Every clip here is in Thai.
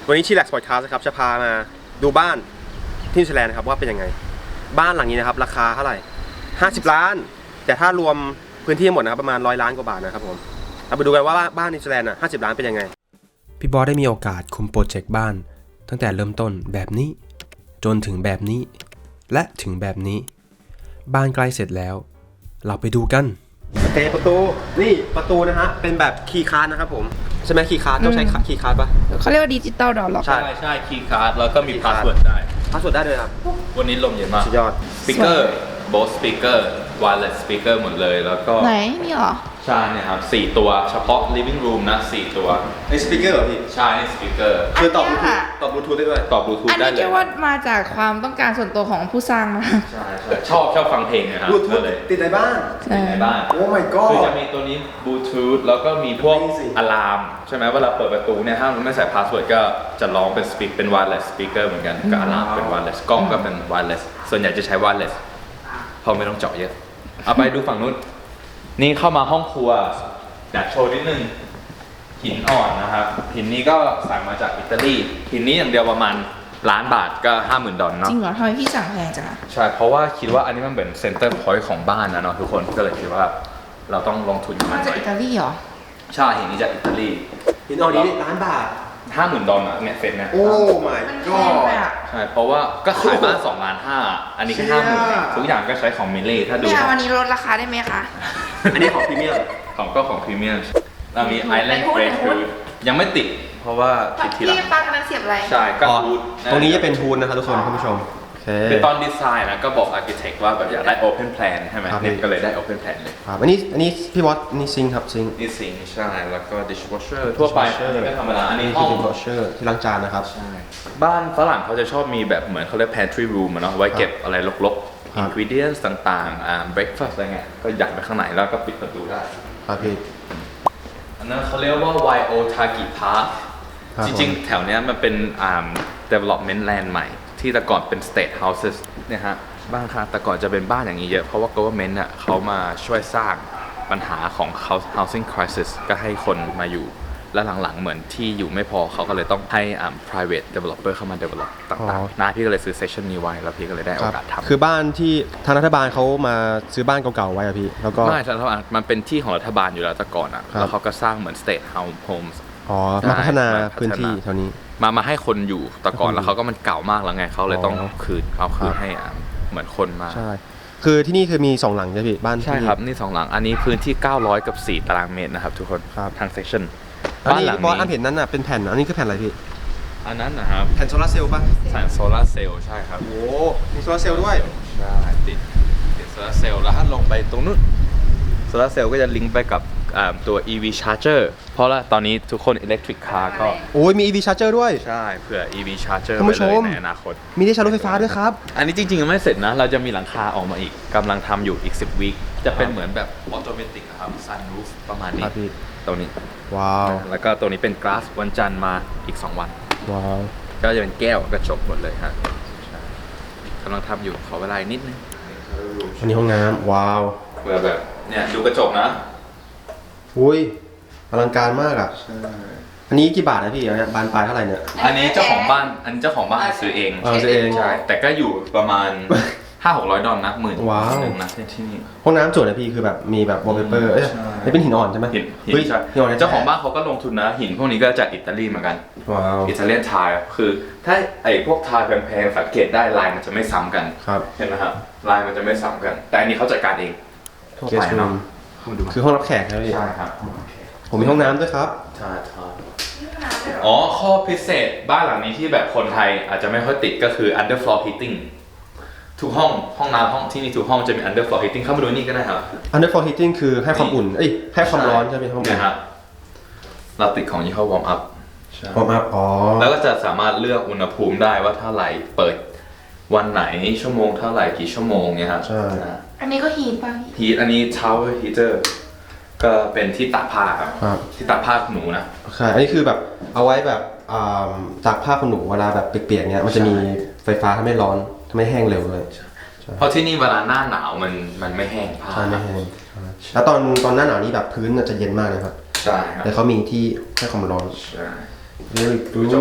วันนี้Chillax Podcastนะครับจะพามาดูบ้านที่นิวซีแลนด์นะครับว่าเป็นยังไงบ้านหลังนี้นะครับราคาเท่าไหร่50 ล้านแต่ถ้ารวมพื้นที่หมดนะครับประมาณ100 ล้านกว่าบาทนะครับผมเราไปดูกันว่าบ้านนิวซีแลนด์50 ล้านเป็นยังไงพี่บอสได้มีโอกาสคุมโปรเจกต์บ้านตั้งแต่เริ่มต้นแบบนี้จนถึงแบบนี้และถึงแบบนี้บ้านใกล้เสร็จแล้วเราไปดูกันโอเคประตูนี่ประตูนะฮะเป็นแบบคีย์การ์ดนะครับผมใช่ไหมคีย์การ์ดต้องใช้คีย์การ์ดปะเขาเรียกว่าดิจิตอลดอร์ล็อกใช่ใช่คีย์การ์ดแล้วก็มีพาสเวิร์ดได้พาสเวิร์ดได้เลยครับวันนี้ลมเย็นมากสุดยอดสปีกเกอร์โบสสปีกเกอร์ไวเลสสปีกเกอร์หมดเลยแล้วก็ไหนมีเหรอใช่เนี่ยครับ4ตัวเฉพาะ living room นะ4ตัวไอสปีกเกอร์เหรอพี่ใช่นี่สปีกเกอร์คือตอบอับนลูเนี้ทูยธค่ะตอบบลูทูธได้ด้วยตอบบลูทูธอันได้นี้เลเรียยกว่ามาจากความต้องการส่วนตัวของผู้สร้างนะใช่ชอบฟังเพลงนะครับบลูทูธเลยติดในบ้านติดในบ้านโอ้ my god คือจะมีตัวนี้บลูทูธแล้วก็มีพวก Amazing อะลามใช่ไหมเวลาเปิดประตูเนี่ยถ้ามันไม่ใส่พาสเวิร์ดก็จะร้องเป็นเป็นไวเลสสปีกเกอร์เหมือนกันกับอะลามเป็นไวเลสกล้องก็เป็นไวเลสส่วนใหญ่จะใช้ไวเลสเพราะไม่ต้องเจาะเยอะเอาไปดูฝั่งนู้นนี่เข้ามาห้องครัวอยากโชว์นิดนึงหินอ่อนนะครับหินนี้ก็สั่งมาจากอิตาลีหินนี้อย่างเดียวประมาณ1 ล้านบาทก็$50,000เนาะจริงเหรอทำไมพี่สั่งแพงจังอะใช่เพราะว่าคิดว่าอันนี้มันเป็นเซ็นเตอร์พอยต์ของบ้านนะเนาะทุกคนก็เลยคิดว่าเราต้องลงทุนมาจากอิตาลีเหรอใช่หินนี้จากอิตาลีหินอ่อนนี้1 ล้านบาท $50,000อ่ะเนี่ยเซ็ตเนี่ยโอ้ my มันแพ god งไปอะใช่เพราะว่าก็ขายบ้าน2.5 ล้านอันนี้แค่เชี่ย 50,000ทุกอย่างก็ใช้ของมิลลี่ถ้าดูไม่เอาวันนี้ลดราคาได้ไหมคะอันนี้ของพรีเมียมของพรีเมียมเรามีไอแลนด์ไหนพูดเฟรไหนชพูดยังไม่ติดเพราะว่าติดทีหลัพี่งปังอันนั้นเสียบอะไรใช่ก็อ๋อฮูดตรงนี้จะเป็นฮูดนะครับทุกคนท่านผู้ชมโอเคคือตอนดีไซน์นะก็บอกอาร์เคเต็กว่าแบบอยากได้ Open Plan ใช่ไหมครับเนี่ยก็เลยได้ Open Plan เลยครับอันนี้พี่บอสนี่ซิงค์ครับซิงค์นี่สิงค์ใช่แล้วก็ dishwasher ทั่วไป Dishwasher ก็ธรรมดาอันนี้นี่ห้คือองดิชวอชเชอร์ที่ล้างจานนะครับใช่บ้านฝรั่งเขาจะชอบมีแบบเหมือนเขาเรียก pantry room อะเนาะไว้เก็บอะไรรกครับๆ ingredients ต่างๆbreakfast อะไรเงี้ยก็ยัดไปข้างในแล้วก็ปิดประตูได้ครับพี่อันนั้นเขาเรียกว่า YO Taki Park ครับจริงๆ แถวเนี้ยมันเป็นdevelopment land ใหม่ ที่แต่ก่อนเป็น state houses เนี่ยฮะบ้านค่ะแต่ก่อนจะเป็นบ้านอย่างนี้เยอะ เพราะว่า government อ่ะเขามาช่วยสร้างปัญหาของ housing crisis ก็ให้คนมาอยู่ แล้วหลังๆ เหมือนที่อยู่ไม่พอเขาก็เลยต้องให้private developer เข้ามา develop ต่างๆนะพี่ก็เลยซื้อ section นี้ไว้แล้วพี่ก็เลยได้โอกาสทำคือบ้านที่ทางรัฐบาลเขามาซื้อบ้านเก่าๆไว้อะพี่แล้วก็ไม่รัฐบาลมันเป็นที่ของรัฐบาลอยู่แล้วแต่ก่อนอ่ะครับแล้วเขาก็สร้างเหมือน state homes อ๋อมาพัฒนาใช่พื้นที่แถวนี้มาให้คนอยู่แต่ก่อนให้คนอยู่แล้วเขาก็มันเก่ามากแล้วไงเขาเลยต้องอ๋อคืนเอาคืคน รับให้เหมือนคนมาใช่คือที่นี่คือมี2 หลังใช่พี่บ้านใช่ที่ครับนี่2 หลังอันนี้พื้นที่900 กับ 4 ตารางเมตรนะครับทุกคนครับทางเซสชั่นอันบ้านนี้หลังบอสอันนี้เห็นนั้นน่ะเป็นแผ่นอันนี้คือแผ่นอะไรพี่อันนั้นนะครับแผ่นโซลาร์เซลล์ป่ะแสงโซลาร์เซลล์ใช่ครับโอ้มีโซลาร์เซลล์ด้วยใช่ติดโซลาร์เซลล์แล้วถ้าลงไปตรงนู้นโซลาร์เซลล์ก็จะลิงก์ไปกับตัว EV charger เพราะว่าตอนนี้ทุกคน electric car ก็โอ้ยมี EV charger ด้วยใช่เผื่อ EV charger ท่านผู้ไว้เลยชมในอนาคตมีที่ชาร์จรถไฟฟ้าด้วยครับอันนี้จริงๆยังไม่เสร็จนะ เราจะมีหลังคาออกมาอีกกำลังทำอยู่อีก10 วีคจะเป็นเหมือนแบบออโตเมติกครับ sunroof ประมาณนี้ครับพี่ตรงนี้ว้าวแล้วก็ตรงนี้เป็น glass วันจันทร์มาอีก 2 วันว้าวก็จะเป็นแก้วกระจกหมดเลยฮะใช่กำลังทำอยู่ขอเวลาอีกนิดนึงอันนี้ห้องน้ำว้าวเพื่อแบบเนี่ยดูกระจกนะอุ้ยอลังการมากอ่ะอันนี้กี่บาทนะพี่เนี่ยบานปลายเท่าไหร่เนี่ยอันนี้เจ้าของบ้านซื้อเองซื้อเองใช่แต่ก็อยู่ประมาณ $500-600นะหมื่นว้าวหนึ่งนะที่นี่ห้องน้ำสวยนะพี่คือแบบมีแบบวอลเปเปอร์เอ้ยใช่นี่เป็นหินอ่อนใช่ไหมหินเฮ้ยใช่หินอ่อนเจ้าของบ้านเขาก็ลงทุนนะหินพวกนี้ก็จากอิตาลีเหมือนกันว้าวอิตาเลียนไทล์คือถ้าไอ้พวกไทล์แพงๆสังเกตได้ลายมันจะไม่ซ้ำกันครับเห็นไหมครับลายมันจะไม่ซ้ำกัน แต่อันนี้เขาจัดการเองทั่วเกไปสต์รูเนาะมคือห้องรับแขกนะพี่ใช่ครับผมมีห้องน้ำด้วยครับใช่อ๋อข้อพิเศษบ้านหลังนี้ที่แบบคนไทยอาจจะไม่ค่อยติดก็คือ underfloor heating ทุกห้องน้ำห้องที่นี่ทุกห้องจะมี underfloor heating เข้ามาดูนี่ก็ได้ครับ underfloor heating คือให้ความอุ่นเอ้ยให้ความร้อนใช่ไหมครับเนี่ยครับเราติดของยี่ห้อ warm up ใช่วอร์มอัพอ๋อแล้วก็จะสามารถเลือกอุณหภูมิได้ว่าเท่าไหร่เปิดวันไหนชั่วโมงเท่าไหร่กี่ชั่วโมงเนี่ยครับใช่อันนี้ก็ฮีทป่ะพี่ฮีทอันนี้ shower heater ก็เป็นที่ตากผ้าครับครับที่ตากผ้าหนูนะใช่อันนี้คือแบบเอาไว้แบบตากผ้าขนหนูเวลาแบบเปียกๆเนี้ยมันจะมีไฟฟ้าทำให้ร้อนทำให้แห้งเร็วเลยเพราะที่นี่เวลาหน้าหนาวมันไม่แห้งผ้าใช่ไม่แห้งแล้วตอนหน้าหนาวนี้แบบพื้นจะเย็นมากเลยครับใช่ครับแต่เขามีที่ให้ความร้อนใช่ Very ดู good จบอ่ะ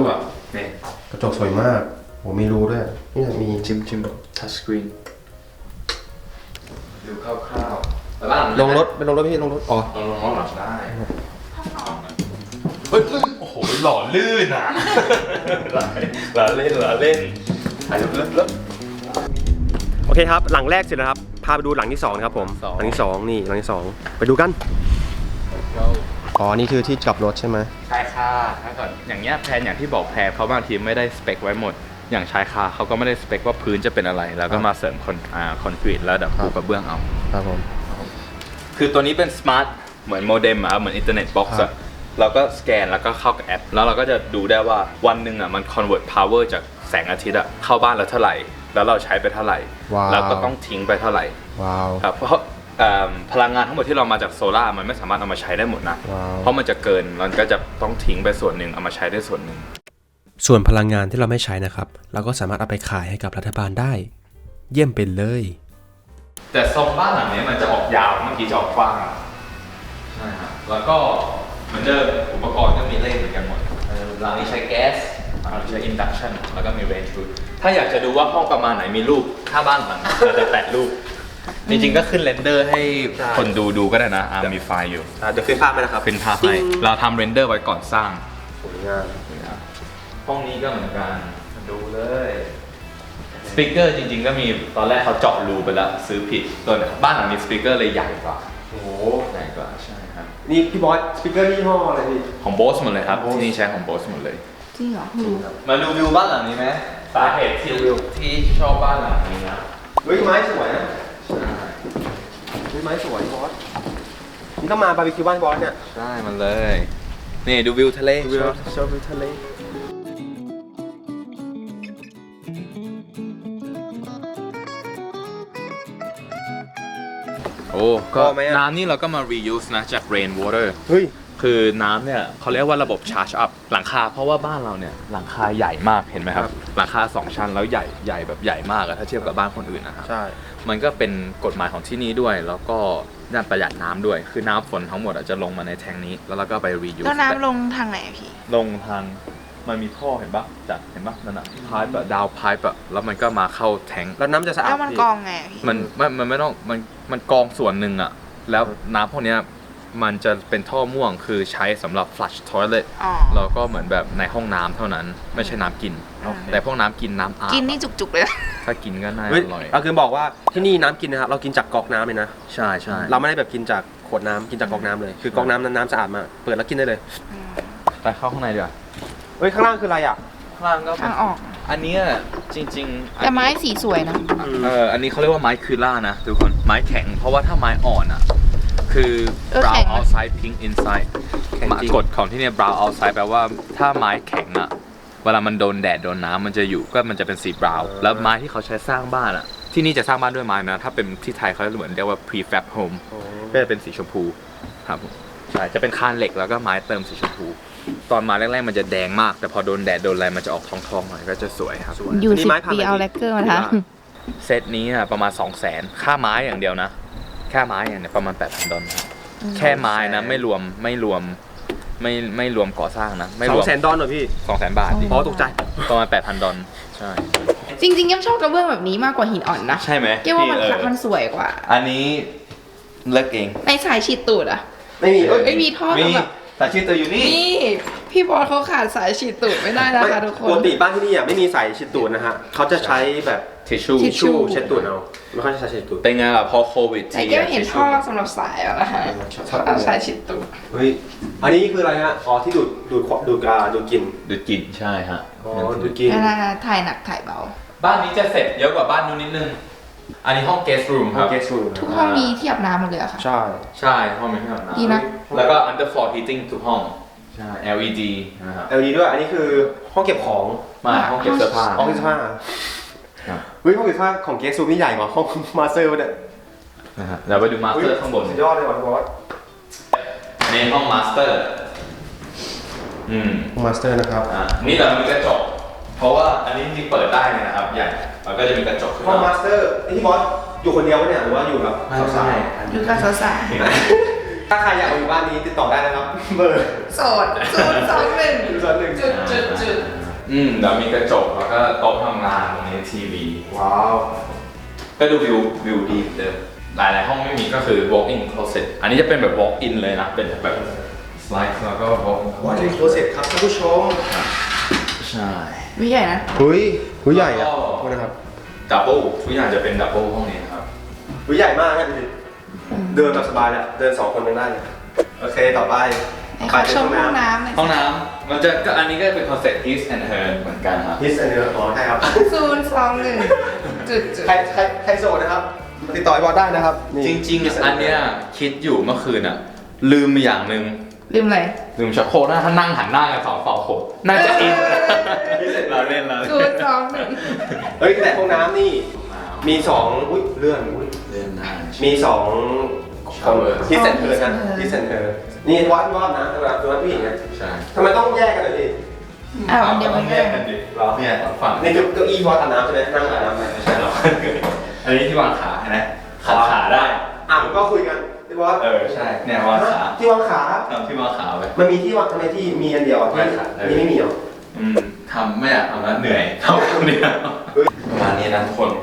นี่กระจกสวยมากโหมีรูด้วยนี่มีจิ้มทัชสกรีนดูคร่าวๆแล้วบ้านลงรถไปลงรถพี่ลงรถอ๋อลงรถได้เฮ้ยโอ้โหหล่อลื่นอ่ะหล่อเล่นถ่ายรูปเลิศโอเคครับหลังแรกเสร็จแล้วครับพาไปดูหลังที่2ครับผมหลังที่2นี่หลังที่2ไปดูกันอ๋อนี่คือที่กลับรถใช่ไหมชายคาถ้าเกิดอย่างเงี้ยแพลนอย่างที่บอกแพลนเขาบางทีไม่ได้สเปคไว้หมด อย่างชายคาเขาก็ไม่ได้สเปคว่าพื้นจะเป็นอะไร แล้วก็มาเสริมคอนกรีตแล้วดับปูกระเบื้องเอาครับผมคือตัวนี้เป็นสมาร์ทเหมือนโมเด็มเหมือนอินเทอร์เน็ตบ็อกซ์ครับเราก็สแกนแล้วก็เข้ากับแอป แล้วเราก็จะดูได้ว่าวันหนึ่งมัน convert power จากแสงอาทิตย์เข้าบ้านเราเท่าไหร่ แล้วเราใช้ไปเท่าไหร่ แล้วก็ต้องทิ้งไปเท่าไหร่ว้าวครับเพราะพลังงานทั้งหมดที่เรามาจากโซล่ามันไม่สามารถเอามาใช้ได้หมดนะว้าวเพราะมันจะเกินมันก็จะต้องทิ้งไปส่วนหนึ่งเอามาใช้ได้ส่วนหนึ่งส่วนพลังงานที่เราไม่ใช้นะครับเราก็สามารถเอาไปขายให้กับรัฐบาลได้ เยี่ยมไปเลยแต่ทรงบ้านหลังนี้มันจะออกยาวเมื่อกี้จะออกกว้างใช่ครับแล้วก็เหมือนเดิมอุปกรณ์ก็มีเลขเหมือนกันหมดหลังนี้ใช้แก๊สเราใช้ induction แล้วก็มี range root ถ้าอยากจะดูว่าห้องประมาณไหนมีรูปถ้าบ้านหลังเราจะแตะรูปจริงๆก็ขึ้นเรนเดอร์ให้คนดูก็ได้นะมีไฟล์อยู่เดี๋ยวขึ้นภาพไปนะครับเป็นภาพให้เราทำเรนเดอร์ไว้ก่อนสร้างสวยงามห้องนี้ก็เหมือนกันดูเลยสปีกเกอร์จริงๆก็มีตอนแรกเขาเจาะรูไปแล้วซื้อผิดตัวบ้านหลังนี้สปีกเกอร์เลยใหญ่กว่าโอ้โหใหญ่กว่าใช่ครับนี่พี่บอสสปีกเกอร์ยี่ห้ออะไรพี่ของโบสหมดเลยครับที่นี่ใช้ของโบสหมดเลยจริงเหรอรู้มาดูวิวบ้านหลังนี้ไหมสาเหตุที่ชอบบ้านหลังนี้นะเฮ้ยไม้สวยนะใช่เฮ้ยไม้สวยบอสนี่ต้องมาบาร์บีคิวบ้านบอสเนี่ยใช่มันเลยนี่ดูวิวทะเลวิวชอบวิวทะเลโอ้ก็น้ำนี่เราก็มา reuse นะจาก rain water เฮ้ยคือน้ำเนี่ยเขาเรียกว่าระบบ charge up หลังคาเพราะว่าบ้านเราเนี่ยหลังคาใหญ่มากเห็นไหมครับครับหลังคา2ชั้นแล้วใหญ่แบบใหญ่มากอะถ้าเทียบกับบ้านคนอื่นนะครับใช่มันก็เป็นกฎหมายของที่นี่ด้วย แล้วก็ด้านประหยัดน้ำด้วย คือน้ำฝนทั้งหมดจะลงมาในแทงนี้ แล้วเราก็ไป reuse แล้วน้ำลงทางไหนอะพี่ลงทางมันมีท่อเห็นปะจากเห็นปะนั่นอะพายแบบดาวพายแบบแล้วมันก็มาเข้าแทงแล้วน้ำจะสะอาดแล้วมันพี่กองไงอะพี่มันไม่ต้องมันกองส่วนหนึ่งอะแล้วน้ำพวกเนี้ยมันจะเป็นท่อม่วงคือใช้สำหรับ flush toilet อ๋อแล้วก็เหมือนแบบในห้องน้ำเท่านั้นไม่ใช่น้ำกิน แต่พวกน้ำกินน้ำอาบกินนี่จุกๆเลยนะถ้ากินก็น่าเฮ้ยอร่อยเอาคือบอกว่าที่นี่น้ำกินนะครับเรากินจากก๊อกน้ำเลยนะใช่ใช่เราไม่ได้แบบกินจากขวดน้ำกินจากก๊อกน้ำเลยคือก๊อกน้ำนั้นน้ำสะอาดมากเปิดแล้วกินได้เลยไปเข้าข้างในดีกว่าเฮ้ยข้างล่างคืออะไรอ่ะข้างล่างก็ทางออกอันเนี้ยจริงๆแต่ไม้สีสวยนะอันนี้เขาเรียกว่าไม้คืล่านะทุกคนไม้แข็งเพราะว่าถ้าไม้อ่อนอ่ะคือ brown outside pink inside แข็งจริงกฎของที่เนี่ย brown outside แปลว่าถ้าไม้แข็งอ่ะเวลามันโดนแดดโดนน้ำมันจะอยู่ก็มันจะเป็นสี brown แล้วไม้ที่เขาใช้สร้างบ้านอ่ะที่นี่จะสร้างบ้านด้วยไม้นะถ้าเป็นที่ไทยเขาเหมือนเรียกว่า prefab home ก็จะเป็นสีชมพูครับผมใช่จะเป็นคานเหล็กแล้วก็ไม้เติมสีชมพู ตอนมาแรกๆมันจะแดงมาก แต่พอโดนแดดโดนอะไรมันจะออกทองๆหน่อยก็จะสวยครับอยู่นี่ 10 ไม้พันปีอะไรเอาพี่แลกเกอร์มาทเซตนี้อะประมาณ 200,000 ค่าไม้อย่างเดียวนะแค่ไม้อย่างเดียวประมาณ 8,000 ดอลลาร์แค่ไม้นะไม่รวมก่อสร้างนะไม่สรอวงมแสนดอลลาร์เหรอพี่ 200,000 บาทดิอ๋อตกใจประมาณ 8,000 ดอลลาร์ใช่ำจริงๆยังชอบกระเบื้องแบบนี้มากกว่าหินอ่อนนะใช่ไหมเกี่ยวว่ามันพี่มันสวยกว่าอันนี้เลือกเองในสายฉีดตูดอะไม่มีไม่มีท่อมีแบบแต่ชื่อตัวอยู่นี่นี่พี่บอสเขาขาดสายฉีดตูดไม่ได้นะคะทุกคปกนติบ้านที่นี่อ่ะไม่มีใส่ชิดตูดนะฮะเขาจะใช้แบบทิชชู่ทิชชู่เช็ดตูดเอาไม่ค่อยใช้เช็ดตูดเป็นไงล่ะพอโควิดแต่แก้วเห็นท่อสำหรับสายแล้วนะคะเอาสายฉีดตูดเฮ้ยอันนี้คืออะไรฮะอ๋อที่ดูดกลิ่นดูดกลิ่นใช่ฮะอ๋อดูดกลิ่นเวลาถ่ายหนักถ่ายเบาบ้านนี้จะเสร็จเยอะกว่าบ้านนู้นนิดนึงอันนี้ห้อง guest room ครับเกสรูมทุกห้องมีที่อาบน้ำหมดเลยอะค่ะใช่ใช่ห้องมีที่อาบน้ำดีนะแล้วก็ underfloor heating ทุกห้อง ใช่ LED นะครับ LED ด้วยอันนี้คือห้องเก็บของมาห้องเก็บเสื้อผ้าห้องเก็บเสื้อผ้าครับเฮ้ยห้องเก็บเสื้อผ้าของเกสรูมนี่ใหญ่กว่าห้องมาสเตอร์เนี่ยนะฮะเดี๋ยวไปดูมาสเตอร์ข้างบนสุดยอดเลยว่ะบอสในห้องมาสเตอร์มาสเตอร์นะครับนี่แต่มันมีกระจก เพราะว่าอันนี้จริงๆเปิดได้เลยนะครับใหญ่แล้วก็จะมีกระจกขึ้นห้องมามาสเตอร์ที่บอสอยู่คนเดียวปะเนี่ยหรือว่าอยู่กับสาวอยู่กับสาวๆถ้าใครอยากมาอยู่บ้านนี้ติดต่อได้นะครับเบอร์ๆโสด021 021 จุดเดี๋ยวมีกระจกแล้วก็โต๊ะทำงานตรงนี้ทีวีว้าวก็ดูวิวดีเหมือนเดิมหลายๆห้องไม่มีก็คือ walk in closet อันนี้จะเป็นแบบ walk in เลยนะ เป็นแบบ slide แล้วก็ walk in วอชิ่งโคลเซ็ตครับท่านผู้ชมใช่วิใหญ่นะหุยใหญ่อะแล้วก็โทษนะครับ double ทุกอย่างจะเป็น double ห้องนี้นะครับหุยใหญ่มากนะดูดิเดินแบบสบายเลยเดิน2 คนยังได้เลยโอเคต่อไปไอ้เขาชมห้องน้ำหน่อยห้องน้ำมันจะก็อันนี้ก็เป็นคอนเซ็ปต์ his and her เหมือนกันครับฮิสอันเนื้ออ๋อใช่ครับ 021จุดใครโสดนะครับมาติดต่อไอ้บอสได้นะครับนี่จริงๆ อันเนี้ยคิดอยู่เมื่อคืนอ่ะ ลืมไปอย่างหนึ่งลืมอะไรลืมชักโครกนะถ้านั่งหันหน้ากัน2 ฝั่งโคน่าจะอินเราเล่นเรา 021 เฮ้ยแต่ห้องน้ำนี่มี2อุ้ยเลื่อนอุ้ยเล่นได้มี2 Shower ฮิสแอนเธอร์นะฮิสแอนเธอร์นี่วัดนะสำหรับตัวผู้หญิงเนี่ยใช่ทำไมต้องแยกกันเลยดิอ้าวอันเดียวกันก็แยได้กกันดิเราเนี่ยฝั่งนี่คือเก้าอี้วัดอาบน้ำใช่ไหมนั่งอาบน้ำไหมไม่ใช่เราอันนี้ที่วางขาเห็นไหมขาได้ก็คุยกันพี่บอสใช่เนี่ยวางขาที่วางขาทำที่วางขาไว้มันมีที่วางทำไมที่มีอันเดียวที่นี่ไม่มีหรอทำไม่อยากทำแล้วเหนื่อยทำคนเดียวประมาณนี้นะทุกคน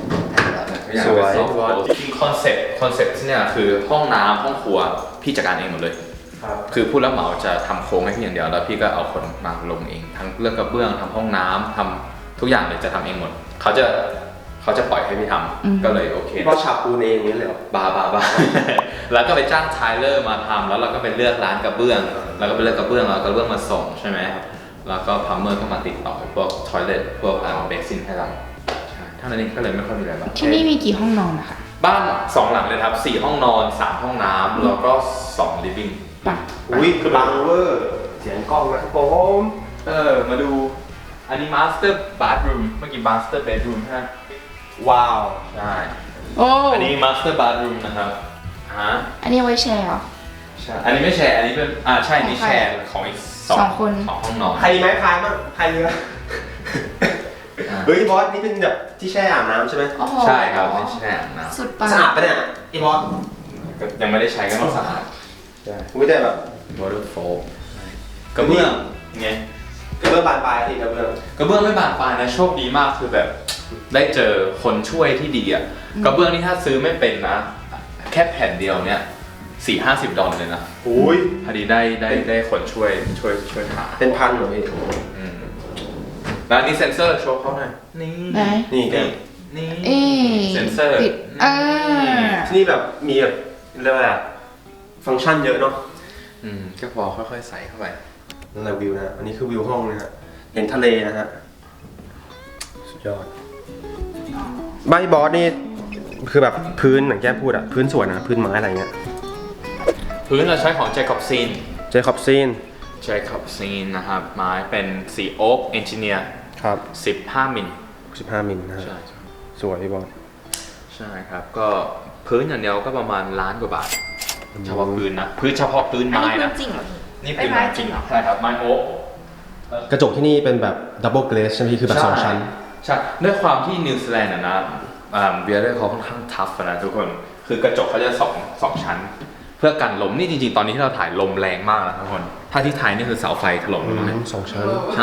จริงคอนเซ็ปต์ที่เนี่ยคือห้องน้ำห้องครัวพี่จัดการเองหมดเลยครับคือผู้รับเหมาจะทำโครงให้พี่อย่างเดียวแล้วพี่ก็เอาคนมาลงเองทั้งเรื่องกระเบื้องทำห้องน้ำทำทุกอย่างเลยจะทำเองหมดเขาจะปล่อยให้พี่ทำก็เลยโอเคพี่บอสฉาบปูนเองนี่เลยเหรอบ้า แล้วก็ไปจ้างไทเลอร์มาทำแล้วเราก็ไปเลือกร้านกระเบื้อง แล้วก็ไปเลือกกระเบื้องแล้วกระเบื้องมาส่งใช่ไหมแล้วก็พัมเมอร์ก็มาติดต่อพวกทอยเลทพวกเบสินให้เราใช่เท่านั้นเองก็เลยไม่ค่อยมีอะไรบ้างที่นี่มีกี่ห้องนอนนะคะบ้าน2 หลังเลยครับ4 ห้องนอน3 ห้องน้ำแล้วก็2 living ป่ะอุ้ยบังเวอร์เสียงกล้องนะครับผมมาดูอันนี้ master bathroom เมื่อกี้ master bedroom ใช่ไหมว้าวใช่โอ้อันนี้ master bathroom นะครับอันนี้เอาไว้แชร์เหรอใช่อันนี้ไม่แชร์อันนี้เป็นใช่นี่แชร์ของอีกสองคน 2 ห้องนอนใครมีไม้พายบ้างใครมีไหมเฮ้ยบอสนี่เป็นแบบที่แช่อาบน้ำใช่ไหมโอ้โหใช่ครับไม่แชร์นะสุดปังสะอาดปะเนี่ยไอ้บอสก็ยังไม่ได้ใช้ก็ต้องสะอาดใช่ไม่ได้แบบ waterfall กระเบื้องไงกระเบื้องบานปลายสิกระเบื้องกระเบื้องไม่บานปลายนะโชคดีมากคือแบบได้เจอคนช่วยที่ดีอ่ะกระเบื้องนี่ถ้าซื้อไม่เป็นนะ แค่แผ่นเดียวเนี่ย40-50 ดอลลาร์เลยนะอุ้ยพอดีได้คนช่วยหาเป็นพันเหรอพี่แล้วนี่เซนเซอร์โชว์เขาหน่อยนี่ไหนนี่แกนี่เอ๊ะเซนเซอร์ปิดที่นี่แบบมีแบบเรียกว่าอะไรอะฟังก์ชันเยอะเนาะก็พอค่อยๆใส่เข้าไปนั่นแหละวิวนะอันนี้คือวิวห้องนะฮะเห็นทะเลนะฮะสุดยอดบ้านพี่บอสนี่คือแบบพื้นอย่างแก้มพูดอะพื้นสวยนะพื้นไม้อะไรเงี้ยพื้นเราใช้ของ Jacob Scene เจคอบซีน Jacob Scene นะครับไม้เป็นสีโอ๊กเอนจิเนียร์ครับ 15 มิล 15 มิลนะฮะใช่สวยพี่บอสใช่ครับ ก็พื้นอย่างเดียวก็ประมาณ1 ล้านกว่าบาท เฉพาะพื้นนะพื้นเฉพาะพื้นอันไม้นี้พื้นะนจริงเหรอนี่พื้นไม้ไม้จริงเหรอใช่ครับไม้โอ๊กกระจกที่นี่เป็นแบบดับเบิลเกรสใช่ไหมพี่คือแบบ2 ชั้นใช่ด้วยความที่นิวซีแลนด์นะเบียร์เขาค่อนข้างทัฟนะทุกคนคือกระจกเขาจะสองชั้น เพื่อกันลมนี่จริงๆตอนนี้ที่เราถ่ายลมแรงมากนะทุกคนถ้าที่ไทยนี่คือเสาไฟถล่มลงมา 2 ชั้นใช่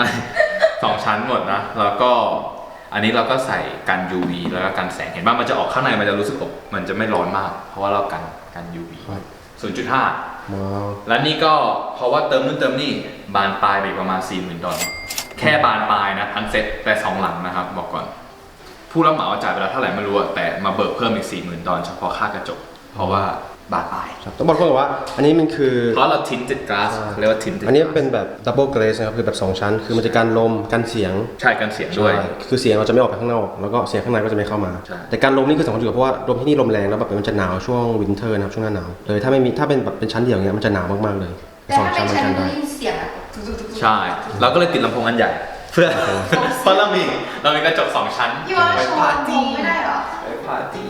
2 ชั้นหมดนะแล้วก็อันนี้เราก็ใส่กัน UV แล้วก็กันแสงเห็นป่ะมันจะออกข้างในมันจะรู้สึกอบมันจะไม่ร้อนมาก เพราะว่าเรากัน UV 0.5 ว้าวและนี่ก็เพราะว่าเติมนู่นเติมนี่บานปลายไปประมาณ 40,000 ดอลลาร์แค่บานปลายนะทันเซ็ตแต่2 หลังนะครับบอกก่อนผู้รับเหมาจ่ายไปแล้วเท่าไหร่ไม่รู้อะแต่มาเบิกเพิ่มอีก 40,000 ดอลลาร์เฉพาะค่ากระจกเพราะว่าบานปลายครับต้องบอกก่อนว่าอันนี้มันคือเพราะเราทินติดกลาสเรียกว่าทินติดอันนี้เป็นแบบดับเบิลเกรสนะครับคือแบบ2 ชั้น คือมันจะกันลมกันเสียงใช่กันเสียงด้วยใช่คือเสียงเราจะไม่ออกไปข้างนอกแล้วก็เสียงข้างในก็จะไม่เข้ามาใช่ แต่แต่การลมนี่คือสำคัญอยู่เพราะว่าลมที่นี่ลมแรงแล้วแบบมันจะหนาวช่วงวินเทอร์นะครับช่วงหน้าหนาวเลยถ้าไม่มีถ้าเป็นแบบเป็นชั้นเดียวอย่างเงี้ยมันจะหนาวมากๆเลยแต่สองถ้าชั้เป็น นมันชั้นกันได้ได้ยินเสียงอะทุกๆๆใช่เราก็เลยติดลำโพงอันใหญ่ เพื่อเพราะเรามีกระจก2 ชั้นพี่ว่าโชว์จริงไม่ได้เหรอไปปาร์ตี้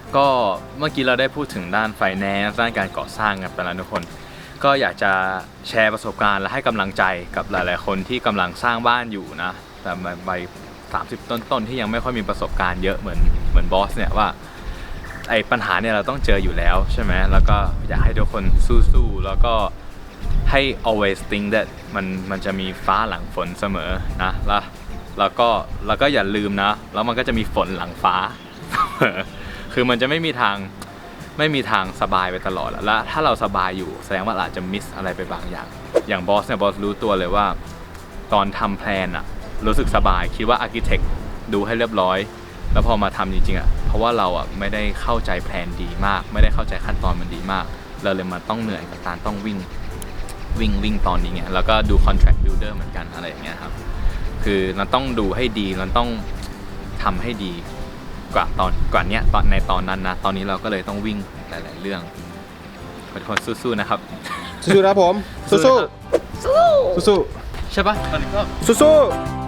ก็เมื่อกี้เราได้พูดถึงด้าน finance ด้านการก่อสร้างกันไปแล้วทุกคน ก็อยากจะแชร์ประสบการณ์และให้กำลังใจกับหลายๆคนที่กำลังสร้างบ้านอยู่นะแต่ใบ30 ต้นๆที่ยังไม่ค่อยมีประสบการณ์เยอะเหมือนบอสเนี่ยว่าไอ้ปัญหาเนี่ยเราต้องเจออยู่แล้วใช่ไหมแล้วก็อยากให้ทุกคนสู้ๆแล้วก็ให้ always think that มันจะมีฟ้าหลังฝนเสมอนะแล้วก็อย่าลืมนะแล้วมันก็จะมีฝนหลังฟ้า คือมันจะไม่มีทางสบายไปตลอดแล้วถ้าเราสบายอยู่แสดงว่าเราอาจจะมิสอะไรไปบางอย่างอย่างบอสเนี่ยบอสรู้ตัวเลยว่าตอนทำแพลนอะรู้สึกสบายคิดว่าอาร์คิเทคดูให้เรียบร้อยแล้วพอมาทำจริงๆอะเพราะว่าเราอะไม่ได้เข้าใจแพลนดีมากไม่ได้เข้าใจขั้นตอนมันดีมากเราเลยมาต้องเหนื่อยกับการต้องวิ่งตอนนี้ไงแล้วก็ดู contract builder เหมือนกันอะไรอย่างเงี้ยครับคือเราต้องดูให้ดีเราต้องทำให้ดีกว่าเนี้ยในตอนนั้นนะตอนนี้เราก็เลยต้องวิ่งหลายๆเรื่องขอทุกคนสู้ๆนะครับสู้ๆนะครับผมสู้ๆสู้ๆใช่ปะตอนนี้ก็สู้ๆ